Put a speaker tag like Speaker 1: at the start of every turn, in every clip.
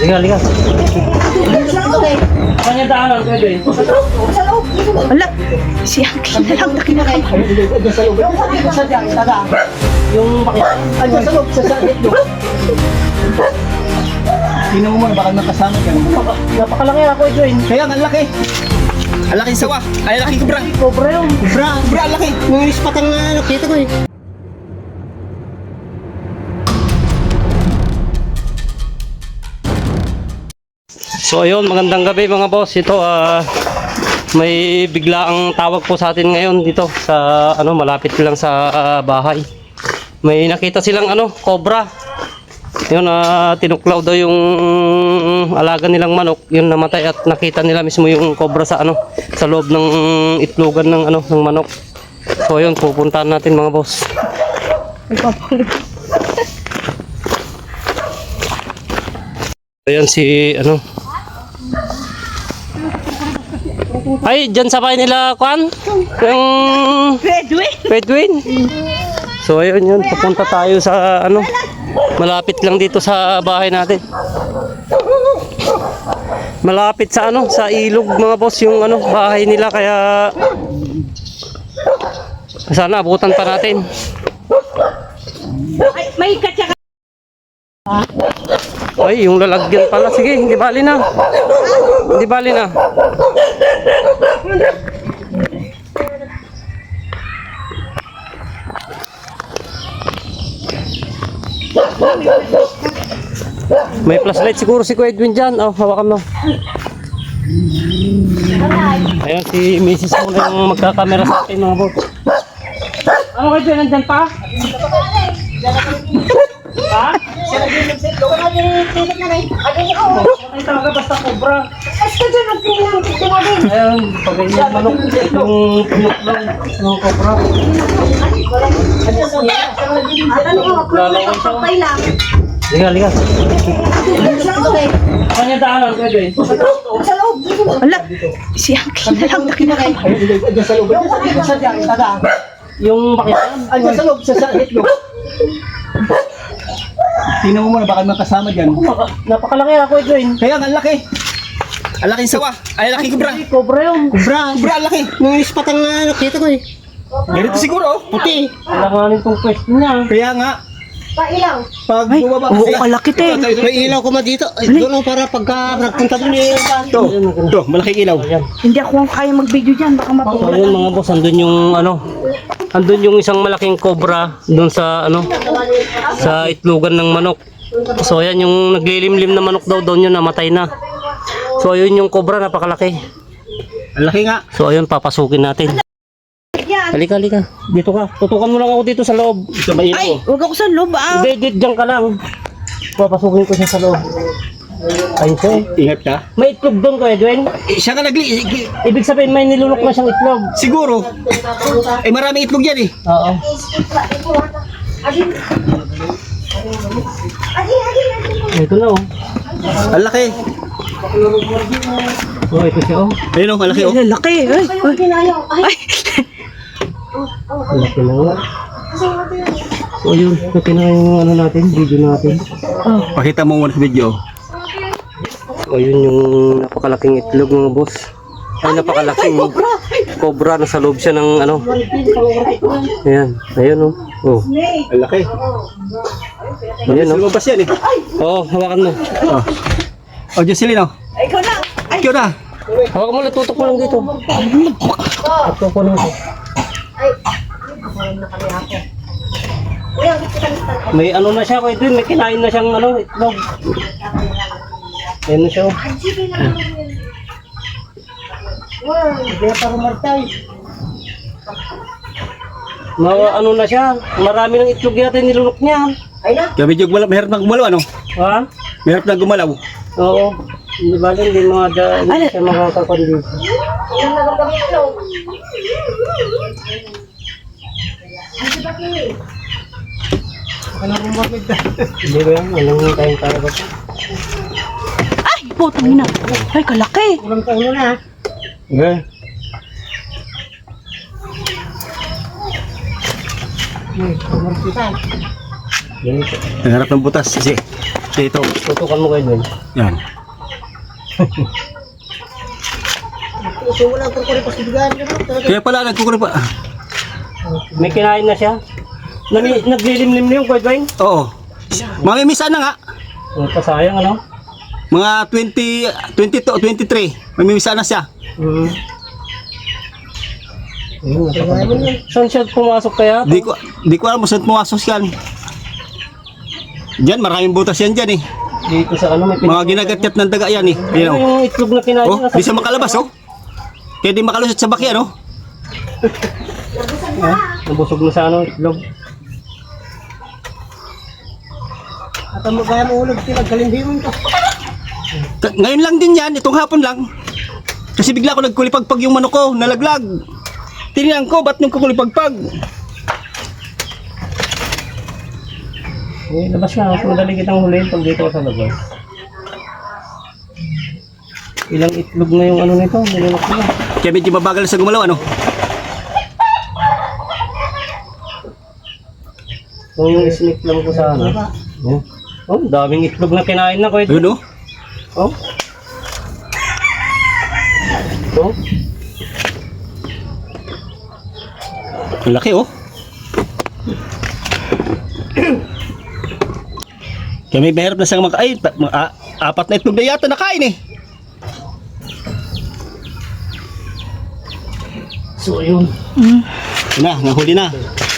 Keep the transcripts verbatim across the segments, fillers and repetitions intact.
Speaker 1: Liga, liga. Kanya daanan, pwede.
Speaker 2: Wala, si Angkin na lang na kinakabahan.
Speaker 1: Yung bakit?
Speaker 3: Ano sa loob sa sakit do? Tingnan mo man baka nakasama ka.
Speaker 1: Napakalaki ako ito eh.
Speaker 3: Kaya ang laki. Ang laki sawa. Ay laki kubra.
Speaker 1: Cobra yun.
Speaker 3: Kubra, kubra ang laki. Nanginis patang uh, nakita ko eh.
Speaker 1: So ayun, magandang gabi mga boss. Ito ah may biglaang tawag po sa atin ngayon dito sa ano malapit lang sa ah, bahay. May nakita silang ano, cobra. Yun ah tinuklaw daw yung alaga nilang manok, yun namatay at nakita nila mismo yung cobra sa ano sa loob ng itlogan ng ano ng manok. So ayun, pupuntahan natin mga boss. Ayan si ano. Ay, dyan sa bahay nila, Kwan? Yung...
Speaker 2: Redwin!
Speaker 1: Redwin? So, ayun yun. Pupunta tayo sa, ano, malapit lang dito sa bahay natin. Malapit sa, ano, sa ilog, mga boss, yung, ano, bahay nila. Kaya, sana abutan pa natin.
Speaker 2: Ay, may katsaka.
Speaker 1: Ay, yung lalagyan pala. Sige, hindi bali na. Hindi bali na. May flashlight siguro si Kuya Edwin dyan. Oh, hawakan mo. Ayan, si Missus mo na yung magkakamera sa atin mga bot. Ano Kuya Edwin, nandyan pa? Ha? Ay talaga basta cobra. Ayun, pagganyan manok. Itong pinuklaw ng cobra. Lalaway siya. Liga, liga. Kanya daanan, pwede.
Speaker 2: Wala, si Angkin na lang na kinakabahan.
Speaker 3: Sa loob. Sa diyan, tada.
Speaker 1: Yung bakit?
Speaker 3: Ano sa loob sa sakit do? Tingnan mo man baka makasama diyan.
Speaker 1: Napakalaki ako ito eh.
Speaker 3: Kaya ang laki. Ang laki sawa. Ay laki kubra.
Speaker 1: Cobra yun.
Speaker 3: Kubra, kubra ang laki. Nanginis patang uh, nakita ko eh. Ganito siguro, oh, puti.
Speaker 1: Alanganin tong pwesto niya.
Speaker 3: Kaya nga.
Speaker 2: Pailaw.
Speaker 3: Pag
Speaker 2: Ay,
Speaker 3: bumaba
Speaker 2: oo, kalaki te.
Speaker 3: May ilaw ko ma dito. Ay, doon para pagka nagpunta doon eh. Ito, ito, malaking ilaw.
Speaker 1: Ayan.
Speaker 2: Hindi ako kaya mag-video dyan, baka
Speaker 1: So
Speaker 2: mapula.
Speaker 1: ayun mga boss, andun yung ano, andun yung isang malaking cobra doon sa ano, sa itlogan ng manok. So ayan yung naglilimlim na manok daw doon yun, namatay na. So ayun yung cobra, napakalaki.
Speaker 3: Ang laki nga.
Speaker 1: So ayun, papasukin natin. Halika, halika. Dito ka. Tutukan mo lang ako dito sa loob.
Speaker 3: Ito ba
Speaker 2: Ay, huwag ako sa loob ah.
Speaker 1: Hindi, dito dyan ka lang. Papasukin ko siya sa loob. Ayun siya eh.
Speaker 3: Ingat ka.
Speaker 1: May itlog doon ko, Edwin.
Speaker 3: Eh, siya ka nagli... eh,
Speaker 1: Ibig sabihin may nilunok na siyang itlog.
Speaker 3: Siguro. Eh maraming itlog yan eh.
Speaker 1: Oo. Ito na oh.
Speaker 3: Ang laki.
Speaker 1: Oh, ito siya oh.
Speaker 3: Ayun oh, ang laki oh.
Speaker 2: Ay, laki. Ay, ay. Ay.
Speaker 1: Ang laki na nga. So yun, ito na yung ano natin, video natin.
Speaker 2: Oh.
Speaker 3: Pakita mo muna sa video.
Speaker 1: So yun yung napakalaking itlog mga boss. Ay, napakalaking cobra na sa loob siya ng ano. Ayan, ayun oh. Oh,
Speaker 3: Ang laki.
Speaker 1: ayan oh.
Speaker 3: Lumabas yan eh.
Speaker 1: Oo, hawakan mo.
Speaker 3: Oh. Oh, Jocelyn oh.
Speaker 2: Ikaw na.
Speaker 3: Ay, ikaw na.
Speaker 1: Hawakan mo lang, tutok mo lang dito. Tutok ko lang ito. May ano na siya, Kuya Edwin, may kinain na siyang ano, itlog. Ayan na siya. Ma ano na siya, marami ng itlog natin nilunok niya.
Speaker 3: Kaya medyo gumalaw, mahirap na gumalaw ano?
Speaker 1: Ha?
Speaker 3: Mahirap na gumalaw.
Speaker 1: Oo. Hindi ba din, hindi mga da, hindi siya makakakondis. Hindi ba yan? Walang tayong kaya ba?
Speaker 2: Ay, putang ina. Ay, kalaki.
Speaker 1: Walang tayo na. Okay. Ganito.
Speaker 3: Ang harap ng butas kasi ito.
Speaker 1: Tutukan mo kayo doon.
Speaker 3: Yan. Kaya pala nagkukulit pa.
Speaker 1: May kinain na siya. Nami, naglilimlim na yung Kuya Dwayne.
Speaker 3: Oo. Mamimisa na nga.
Speaker 1: Ang pasayang ano?
Speaker 3: Mga twenty, twenty-two, twenty-three. Mamimisa na siya.
Speaker 1: Mm. Ayun, napaka- Saan siya pumasok kaya?
Speaker 3: Di ko, di ko alam kung saan pumasok yan. Diyan, maraming butas yan dyan eh.
Speaker 1: Dito sa ano may
Speaker 3: Mga ginagatyat ng daga yan eh.
Speaker 1: Ano
Speaker 3: Ayan, oh.
Speaker 1: yung itlog na kinain
Speaker 3: Oh,
Speaker 1: niya?
Speaker 3: di siya makalabas oh. Kaya di makalusot sa baki ano.
Speaker 1: Nabusog na sa ano itlog.
Speaker 3: At mo kaya mo ulog sila, galimbiyon ka. Ngayon lang din yan, itong hapon lang. Kasi bigla ko nagkulipagpag yung manok ko, nalaglag. Tinignan ko, ba't nung kukulipagpag?
Speaker 1: Eh, labas na. Mas madali kitang huliin pag dito ka sa labas. Ilang itlog na yung ano nito? Nilunok na.
Speaker 3: Kaya medyo mabagal sa gumalaw ano.
Speaker 1: Kung yung snake lang ko sa ano. Oh, oh daming itlog na kinain na ko ito.
Speaker 3: Ayun oh.
Speaker 1: Oh. Ito.
Speaker 3: Ang laki oh. Kaya may mahirap na siyang maka... Ay, ta- ma- a- apat na itlog na yata nakain eh.
Speaker 1: So, yun.
Speaker 2: Mm.
Speaker 3: Yun na, nahuli na.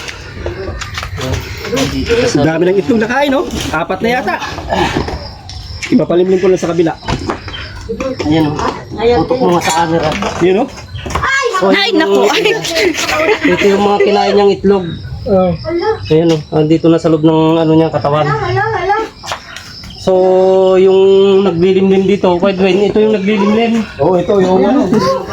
Speaker 3: Ang dami ng itlog nakain oh. Apat na yata. Ipapalimlim ko lang sa kabila.
Speaker 1: Ayan o. Tutok mo nga sa camera.
Speaker 3: Yun oh.
Speaker 1: Oh,
Speaker 2: Ay, naku. Ay.
Speaker 1: Ito yung mga kinain niyang itlog.
Speaker 3: Oh.
Speaker 1: Ayan o. Andito na sa loob ng ano niya, katawan. So, yung naglilimlim dito, Kuya Dwayne, ito yung naglilimlim.
Speaker 3: Oh, ito yung ano.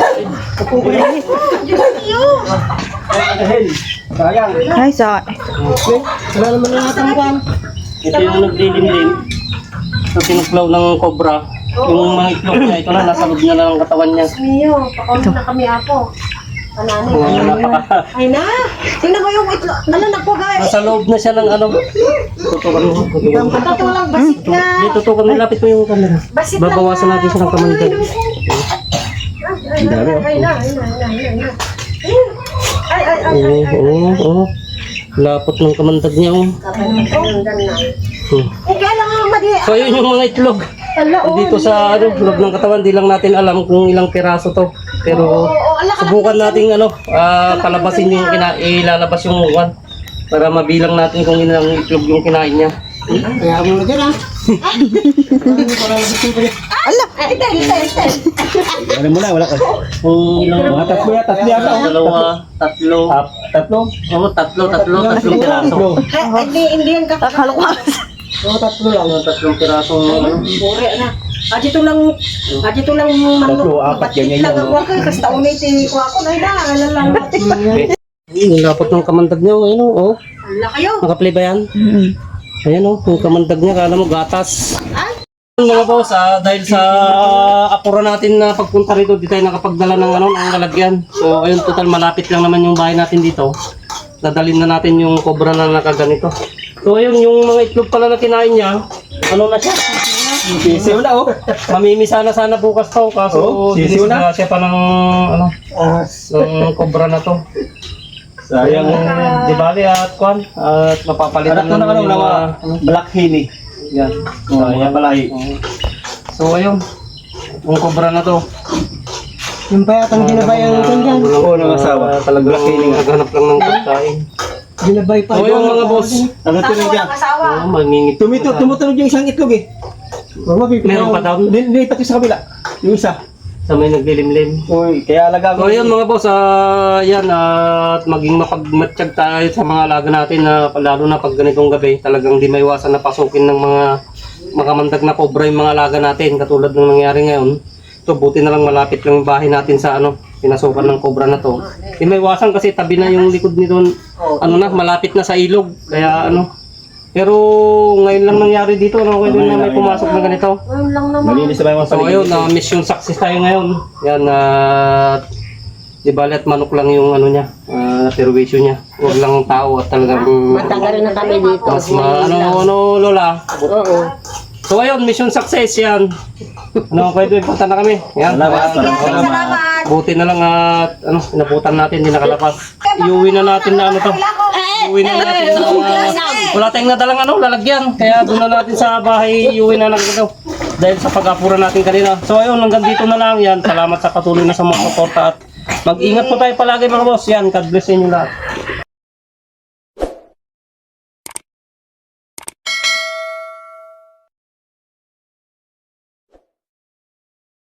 Speaker 3: Sayang.
Speaker 2: Ay, sa...
Speaker 3: Wala naman na natangkuhan.
Speaker 1: Ito yung naglilimlim. So, tinuklaw ng cobra. Yung mga itlog niya, ito na, nasa loob na lang ang katawan niya.
Speaker 4: Mio, pakawin na kami apo. Anani.
Speaker 1: Mga napaka...
Speaker 4: Ay na! Tingnan mo yung itlog. Ano na po guys?
Speaker 1: Nasa loob na siya ng ano. Tutukan mo. tutukan mo.
Speaker 4: Patulang basit na.
Speaker 1: Dito, tutukan mo. Lapit mo yung camera.
Speaker 4: Basit lang
Speaker 1: Babawasan
Speaker 4: na.
Speaker 1: natin siya ng kamandag.
Speaker 4: Ay na, ay na, ay na, ay na, ay na. Ay, ay, ay,
Speaker 1: Oo, oo, oo. Lapot ng kamandag niya, oh. Hmm.
Speaker 4: Eh, kaya lang ang madi.
Speaker 1: So, yun yung mga itlog.
Speaker 4: Ala, oh.
Speaker 1: Dito sa ano, loob ng katawan, di lang natin alam kung ilang piraso to. Pero, subukan natin ano, ah, palabasin yung kina ilalabas yung one para mabilang natin kung ilang itlog yung kinain niya.
Speaker 3: Kaya mo na dyan ah.
Speaker 4: Ala! Ay, ito, ito, ito.
Speaker 3: Ano mo na, wala ka.
Speaker 1: Kung ilang
Speaker 3: Mga tatlo yata, tatlo yata. oh.
Speaker 1: dalawa, tatlo.
Speaker 3: Ah, tatlo.
Speaker 1: Oo, tatlo, tatlo, tatlong piraso.
Speaker 3: Tatlo.
Speaker 4: Ay, hindi, hindi yan kakalo.
Speaker 2: Akala ko.
Speaker 3: Oo, tatlo lang.
Speaker 1: Mga tatlong pirasong ano.
Speaker 4: Bore na. Ah, dito lang, ah, dito lang
Speaker 3: Tatlo, apat,
Speaker 4: batit
Speaker 3: ganyan
Speaker 4: lang
Speaker 3: yan,
Speaker 4: ang
Speaker 3: no?
Speaker 4: wakay. Kasi taunay ti ko ako. Ay na, ala lang.
Speaker 1: Yung lapot ng kamandag niya, ayun oh.
Speaker 4: Ala kayo.
Speaker 1: Nakaplay ba yan?
Speaker 2: Mm.
Speaker 1: Ayan oh, yung kamandag niya, kala mo gatas. Mga boss, ah, dahil sa apura natin na pagpunta rito, di tayo nakapagdala ng ano, ng lalagyan. So, ayun, total malapit lang naman yung bahay natin dito. Dadalhin na natin yung cobra na nakaganito. So, ayun, yung mga itlog pala na kinain niya, ano na siya?
Speaker 3: Sisiw na oh.
Speaker 1: Mamimisa na sana bukas to, kaso
Speaker 3: Oo, sisiw na.
Speaker 1: dinisgrasya siya pa ng, ano, ng cobra na to. Sayang, di bali at kwan, at mapapalitan
Speaker 3: Anak ko na ano,
Speaker 1: yung
Speaker 3: nawa.
Speaker 1: mga-
Speaker 3: Black Henny.
Speaker 1: Yan.
Speaker 3: Oh, yan pala eh.
Speaker 1: So, ayun, yung cobra na to.
Speaker 3: Yung payatang ginabayan ko dyan. Oo, ng asawa.
Speaker 1: Talagang
Speaker 3: Black Henny nga.
Speaker 1: naghanap lang ng pagkain.
Speaker 3: Ginabay pa.
Speaker 1: So, ayun mga boss.
Speaker 3: Ano
Speaker 4: Asawa,
Speaker 3: tunog yan?
Speaker 4: walang asawa.
Speaker 1: Oh, mangingit.
Speaker 3: Tumito, tumutunog yung isang itlog eh.
Speaker 1: Meron pa daw?
Speaker 3: Nilipat yung sa kabila. Yung isa.
Speaker 1: Sa may naglilimlim.
Speaker 3: Uy, kaya alaga
Speaker 1: So, ayun mga boss, ah, yan, at maging mapagmatsyag tayo sa mga alaga natin na lalo na pag ganitong gabi, talagang di maiwasan na pasukin ng mga makamandag na cobra yung mga alaga natin, katulad ng nangyari ngayon. So, buti na lang malapit lang yung bahay natin sa ano, pinasukan ng cobra na to. Di maiwasan kasi tabi na yung likod nito, ano na, malapit na sa ilog, kaya ano. Pero ngayon lang nangyari dito, ano, ngayon na may pumasok na ganito.
Speaker 4: Ayun lang naman.
Speaker 3: Malinis na ba yung mga
Speaker 1: So
Speaker 3: paligid?
Speaker 1: ayun, na mission success tayo ngayon. Yan, at di bali at manok lang yung ano niya, ah, perwisyo niya. Huwag lang tao at talagang
Speaker 4: Matagal na kami dito.
Speaker 1: mas ma, ano, ano, Lola.
Speaker 4: Oo.
Speaker 1: So ayun, mission success yan. Ano, pwede punta na kami. Yan.
Speaker 3: Salamat.
Speaker 2: Salamat.
Speaker 1: Buti na lang at ano, inabutan natin, hindi nakalabas. Iuwi na natin na ano to. Iuwi na natin na wala tayong nadalang ano, lalagyan. Kaya doon na natin sa bahay, iuwi na natin ito. Dahil sa pag-apura natin kanina. So ayun, hanggang dito na lang yan. Salamat sa patuloy na sa mga suporta at mag-ingat po tayo palagi mga boss. Yan, God bless sa inyo lahat.